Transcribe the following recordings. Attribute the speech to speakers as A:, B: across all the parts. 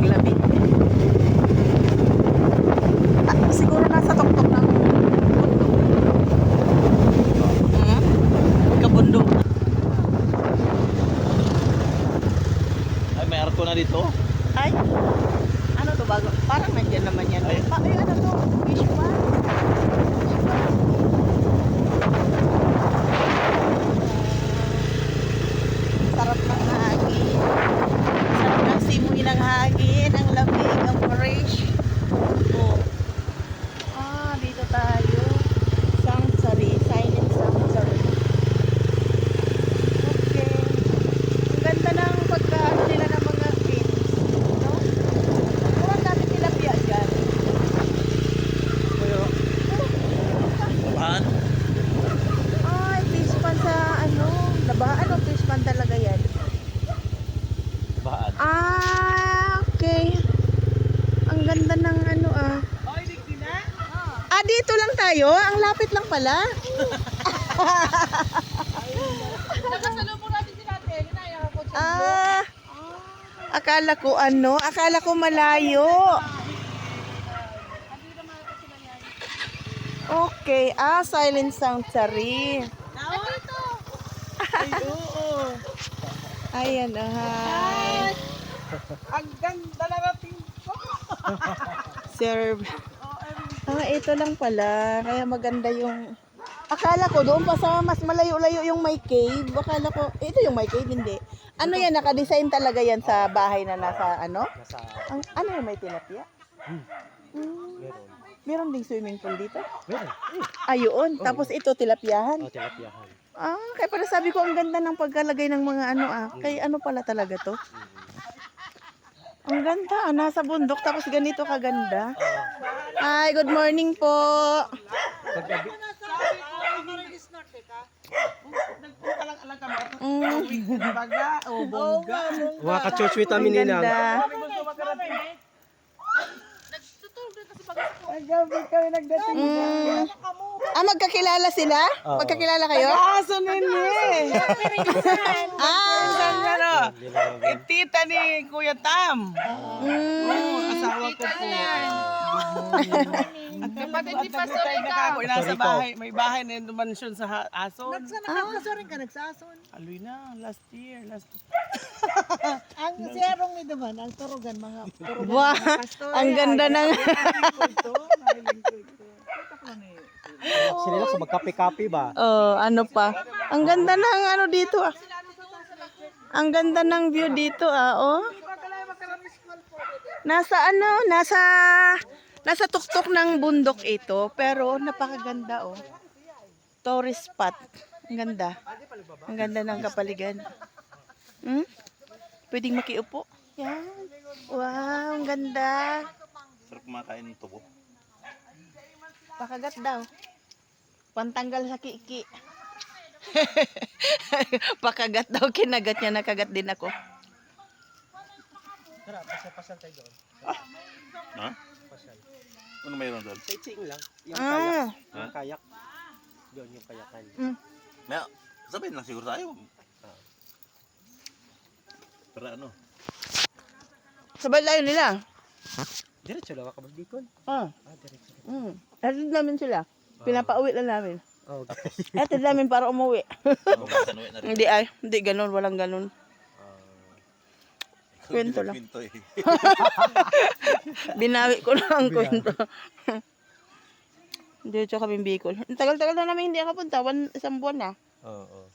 A: lamig. Siguro nasa tuktok ng kabundok.
B: Ay, may arko na dito.
A: Ay, ano to bago? Parang nandiyan naman yan. Ay, ano to? Fish pond. Sarap ng hangin. Sarap ng simoy ng hangin. Ang lamig, ang fresh. Oh. Dito tayo. Sanctuary. Silent Sanctuary. Okay. Ang ganda ng pagkaan nila ng mga fins. No? Murang natin tilapia dyan.
B: Saan?
A: Ay, fish pan sa ano. Labaan o fish pan talaga yan?
B: Baan?
A: Okay. Ang ganda ng ano dito lang tayo? Ang lapit lang pala.
C: Nakasalubong natin si Ate. Ginaya ko siya.
A: Akala ko malayo. Okay, Silent Sanctuary.
C: Dito.
B: Ay, oo.
A: Ayan, hi.
C: Ang ganda na natin ko.
A: Serve. Ito lang pala. Kaya maganda yung... Akala ko doon pa sa mas malayo-layo yung may cave. Akala ko, ito yung may cave, hindi. Ano yan, nakadesign talaga yan sa bahay na nasa ano? Ano yung may tilapia?
B: Meron.
A: Meron ding swimming pool dito?
B: Meron.
A: Ayun. Tapos ito, tilapiahan.
B: Tilapiahan.
A: Kaya pala sabi ko, ang ganda ng pagkalagay ng mga ano Kaya ano pala talaga to? Ang ganda, nasa bundok tapos ganito kaganda. Hi, good morning po.
C: Nagpunta lang alang kami. Baga, bongga.
B: Mga ka-church
A: Ang ganda.
C: Naggabi kami nagdating.
A: Magkakilala sila? Magkakilala kayo?
C: Aso nini. Tita ni Kuya Tam. Asawa ko po. Kapatid ni Pastor Rico. Nasa bahay, may bahay na yung mansyon sa Ason.
D: Nakakasarin ka nagsason.
C: Aloy na, last year.
D: Ang siyarong ni naman, ang turugan, mga turugan.
A: Wow, ang ganda ng...
B: Sila sa magkape-kape ba?
A: ano pa. Ang ganda ng ano dito Ang ganda ng view dito Nasa tuktok ng bundok ito, pero napakaganda Tourist spot. Ang ganda. Ang ganda ng kapaligiran. Pwedeng makiupo. Yan. Wow, ang ganda.
B: Sarap kumakain ng tubo.
A: Pakagat daw. Pantanggal sa kiki. Pakagat daw, kinagat niya, nakagat din ako.
B: Tara, pasal tayo doon. Ha? Pasal. Ano mayroon doon? Sightseeing lang. Yung kayak. Yung kayak. Doon yung kayakan. May sabihin lang siguro tayo. Para ano?
A: Sabay layo nila.
B: Diretso lang ka Bicol. Diretso.
A: Hatid namin sila. Pinapauwi lang namin.
B: Okay.
A: Hatid namin para umuwi. Hindi ganun, walang ganun. Kwento lang. Binawi ko lang ang kwento. Diretso kami Bicol. Ang tagal-tagal na namin hindi nakapunta. Isang buwan na.
B: Oo.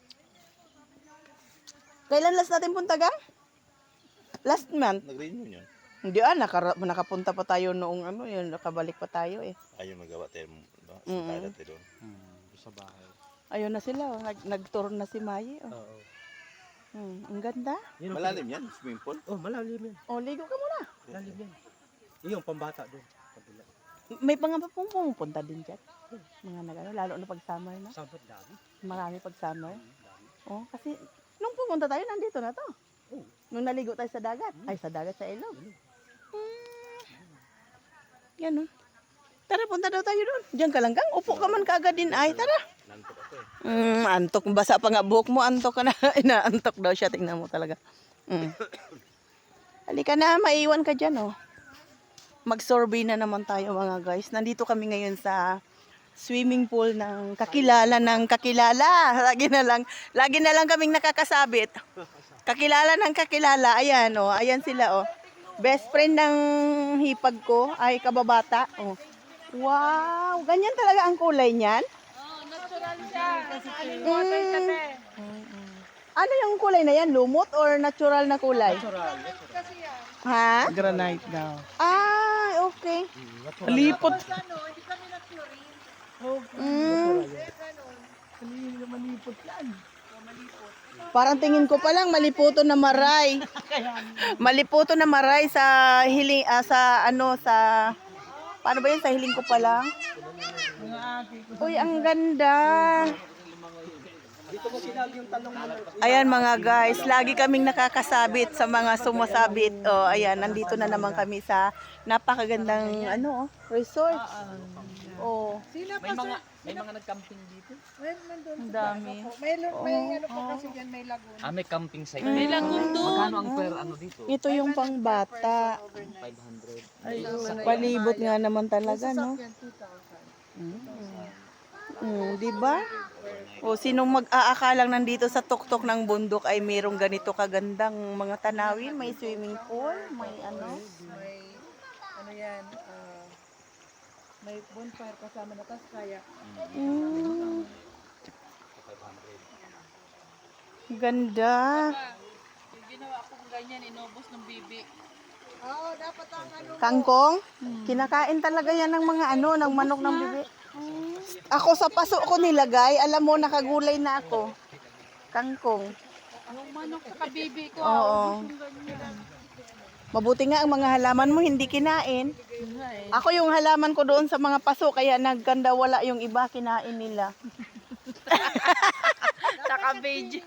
A: Kailan last natin punta gang? Last month.
B: Nag-renew yun.
A: Hindi nakapunta pa tayo noong yun, nakabalik pa tayo
B: Ayun magawa tayo sa toilet doon. Sa bahay.
A: Ayun na sila, nag-tour na si Mayi.
B: Oo.
A: Ang ganda.
B: Malalim yan, swimming pool? Oh, malalim yan.
A: Ligo ka muna.
B: Malalim yan. Yung pambata doon.
A: May pumupunta din dyan. Mga lalo na pag summer na.
B: Summer dami.
A: Marami pag summer. Kasi nung pumunta tayo, nandito na to. Nung naligo tayo sa dagat. Ay, sa dagat, sa ilog. Ganun. Tara, punta daw tayo doon. Diyan ka lang gang. Upo ka man kaagad din. Ay, tara.
B: Nantok ako
A: Antok. Basa pa nga buhok mo. Antok ka na. Inaantok daw siya. Tingnan mo talaga. Halika na, maiwan ka dyan, oh. Mag-survey na naman tayo, mga guys. Nandito kami ngayon sa swimming pool ng kakilala ng kakilala. Lagi na lang kaming nakakasabit. Kakilala ng kakilala. Ayan, oh. Ayan sila, oh. Best friend ng hipag ko ay kababata. Oh. Wow, ganyan talaga ang kulay niyan?
C: Natural siya.
A: Ano yung kulay na yan? Lumot or natural na kulay?
C: Natural.
A: Ha?
C: Granite daw.
A: Ah, okay.
C: Lipot.
A: Mm. Parang tingin ko pa lang maliputo na maray. Maliputo na maray sa hiling sa ano sa paano ba 'yan sa hiling ko pa lang? Uy, ang ganda. Ayan mga guys, lagi kaming nakakasabit sa mga sumasabit. Oh, ayan, nandito na naman kami sa napakagandang ano, resort. Oh,
E: May mga nag-camping dito.
A: ang dami.
D: May ano pa kasi dyan, may lagoon.
E: May camping site. May lagoon doon. Magkano ang per ano dito?
A: Ito yung pangbata.
E: 500.
A: Palibot nga naman talaga, no?
D: Yan, 2,000.
A: Di ba? O sinong mag-aakalang nandito sa tuktok ng bundok ay mayroong ganito kagandang mga tanawin, may swimming pool, may ano.
D: May, ano yan, may bonfire kasama na tas kaya.
A: Mm. Ganda.
F: Yung ginawa kong ganyan, inubos ng bibi.
D: Oo, dapat ang ano.
A: Kangkong? Kinakain talaga yan ng mga ano, ng manok ng bibi. Ako sa paso ko nilagay, alam mo, nakagulay na ako. Kangkong.
F: Yung manok sa kabibi ko,
A: Oo.
F: yung ganyan.
A: Mabuti nga ang mga halaman mo hindi kinain. Ako yung halaman ko doon sa mga paso, kaya nagkanda wala yung iba, kinain nila.
F: Sa kabidyo.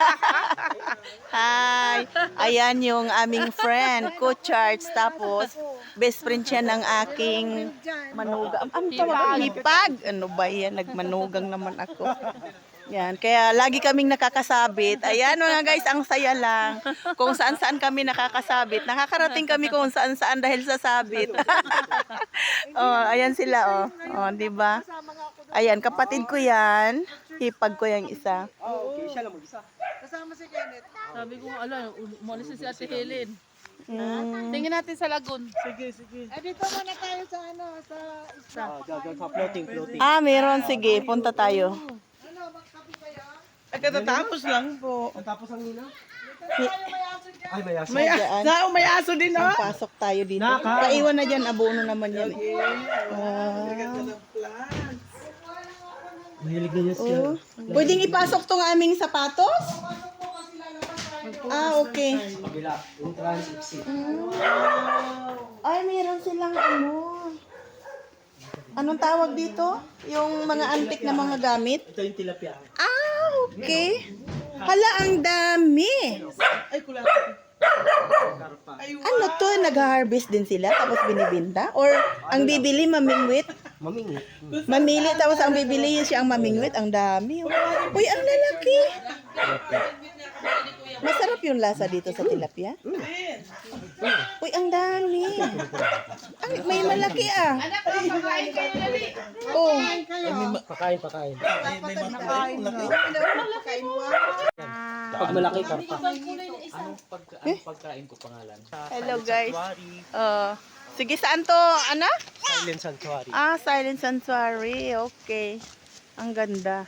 A: Hi! Ayan yung aming friend, Coach Charles. Tapos, best friend siya ng aking manugang. Ang tawag, hipag. Ano ba yan? Nagmanugang naman ako. Yan, kaya lagi kaming nakakasabit. Ayan mga guys, ang saya lang. Kung saan-saan kami nakakasabit. Nakakarating kami kung saan-saan dahil sa sabit. Oh, ayan sila, oh. Oh, 'di ba? Ayan, kapatid ko 'yan. Hipag ko 'yang isa.
C: Okay, siya lang mag-isa.
D: Kasama si Kenneth.
F: Sabi ko, ala, umalis na si Ate Helen.
A: Mm.
F: Tingin natin sa lagoon.
C: Sige, sige.
D: Dito muna tayo sa ano, sa isla.
C: Diyan sa floating.
A: Ah, meron. Sige, punta tayo.
D: Ano, magkapi kayo?
C: Katatapos lang po. Tapos ang nila? Ay, may aso.
A: Diyan.
C: May aso din, oh.
A: Pasok tayo dito. Paiwan na dyan, abono naman yan.
C: Mahilig na niya siya.
A: Oh. Pwedeng ipasok tong aming sapatos? Ah, okay.
C: Kabila, entrance exit.
A: Ay, meron silang ano. Anong tawag dito? Yung mga antik na mga gamit?
C: Ito yung tilapia.
A: Ah, okay. Hala, ang dami.
C: Ay, kulat.
A: Ano to? Nag-harvest din sila tapos binibinta? Or ang bibili mamingwit?
C: Mamingit.
A: Mamili tapos ang bibili siya ang mamingwit? Ang dami. Uy, ang lalaki. Masarap yung lasa dito sa tilapia. Uy, ang dami. May malaki ah. Oh.
C: Pakain. Pag malaki ka.
E: Anong pagkain ko pangalan?
A: Hello guys. Sige, saan to? Ano?
C: Silent Sanctuary.
A: Ah, Silent Sanctuary. Okay. Ang ganda.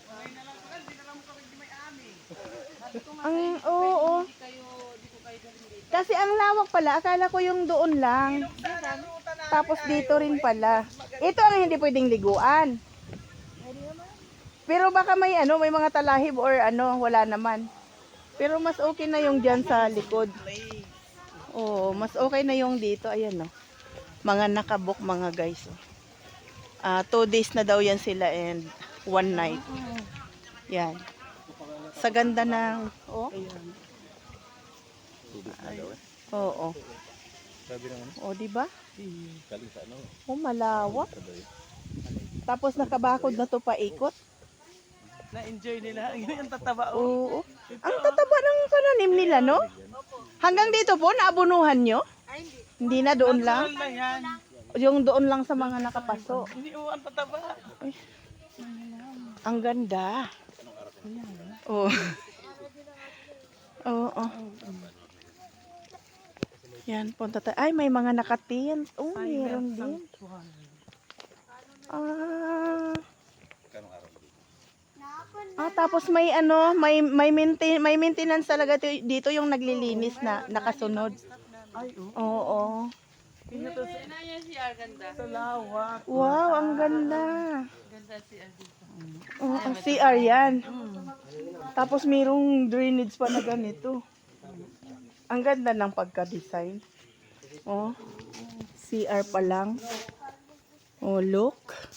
A: Oo. Kasi ang lawak pala, akala ko yung doon lang. Tapos dito rin pala. Ito ang hindi pwedeng liguan. Pero baka may may mga talahib or wala naman. Pero mas okay na yung dyan sa likod. Oo, mas okay na yung dito. Ayan, no. Mga nakabook mga guys. 2 days na daw yan sila and 1 night. Yan. Sa ganda ng Oo. O, di ba? Malawak. Tapos nakabakod na to paikot.
C: Na-enjoy nila. Yung tataba.
A: Oo. Ang tataba ng pananim nila, no? Hanggang dito po, naabunuhan nyo? Hindi na, doon lang?
C: Natural na yan.
A: Yung doon lang sa mga nakapaso.
C: Hindi mo ang tataba.
A: Ang ganda. Oh. Oo. Yan, punta tayo. Ay, may mga nakatint. Oh, meron din. Tapos may ano, may maintenance talaga dito yung naglilinis na nakasunod.
C: Ay,
A: Oo.
F: Yan na yan si Arganda.
C: sa lawak.
A: Wow, ang ganda.
F: Ganda si Arganda.
A: Oh, ang CR yan. Tapos mayroong drainage pa na ganito. Ang ganda ng pagka-design. Oh, CR pa lang. Oh, look.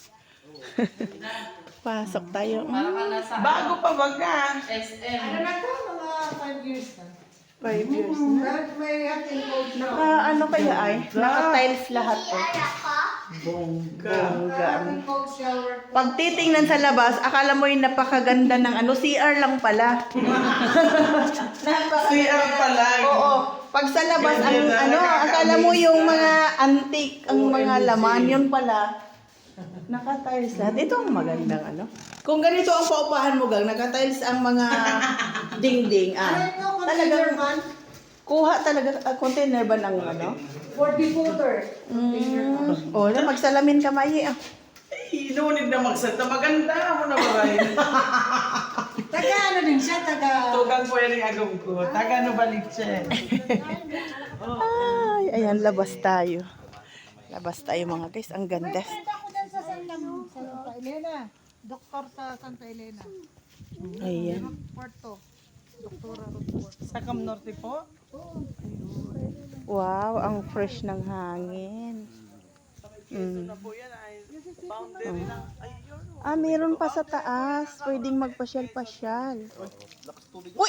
A: Pasok tayo.
C: Bago pa baga.
F: SM.
A: 5 years na. Ano kaya ay? Naka-tiles lahat to. Bongga. Pag titingnan sa labas, akala mo yung napakaganda ng ano, CR lang pala.
C: CR pala.
A: Oo. Pag sa labas, ang ano, akala mo yung mga antique, ang mga laman, yun pala. Naka-tiles lahat. Ito ang magandang ano. Kung ganito ang paupahan mo, gang, naka-tiles ang mga dingding. Talagang kuha talaga, container ba ng ano?
D: For decoder.
A: O, na magsalamin ka, Mayi.
C: Inunid na magsata. Maganda mo na baray.
D: Taga ano din siya, taga...
C: Tugang po yan yung agam ko. Taga no balik siya.
A: Ay, ayan, labas tayo. Labas tayo mga guys. Ang ganda.
D: Ako dyan sa Santa Elena. Doktor sa Santa Elena.
A: Ayan.
D: Porto. Doktora Rodford.
C: Sa Cam Norte po.
A: Wow, ang fresh ng hangin.
C: Po yan ay boundary ng ayun.
A: Meron pa sa taas. Pwedeng magpasyal-pasyal. Uy!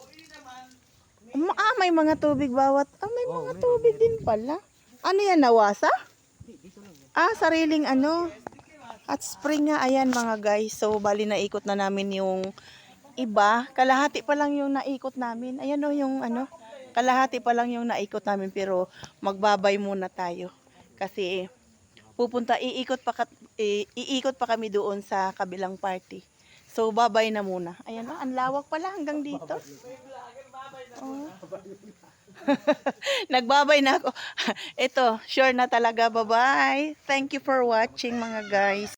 A: May mga tubig bawat. May mga tubig din pala. Ano yan, nawasa? Sariling ano. At spring nga, ayan mga guys. So, bali naikot na namin yung iba. Kalahati pa lang yung naikot namin. Ayan o yung ano. Kalahati pa lang yung naikot namin. Pero magbabay muna tayo. Kasi iikot pa kami doon sa kabilang party. So, babay na muna. Ayan o, ang lawak pala hanggang dito. Oh. Nagbabay na ako. Ito, sure na talaga. Bye-bye. Thank you for watching mga guys.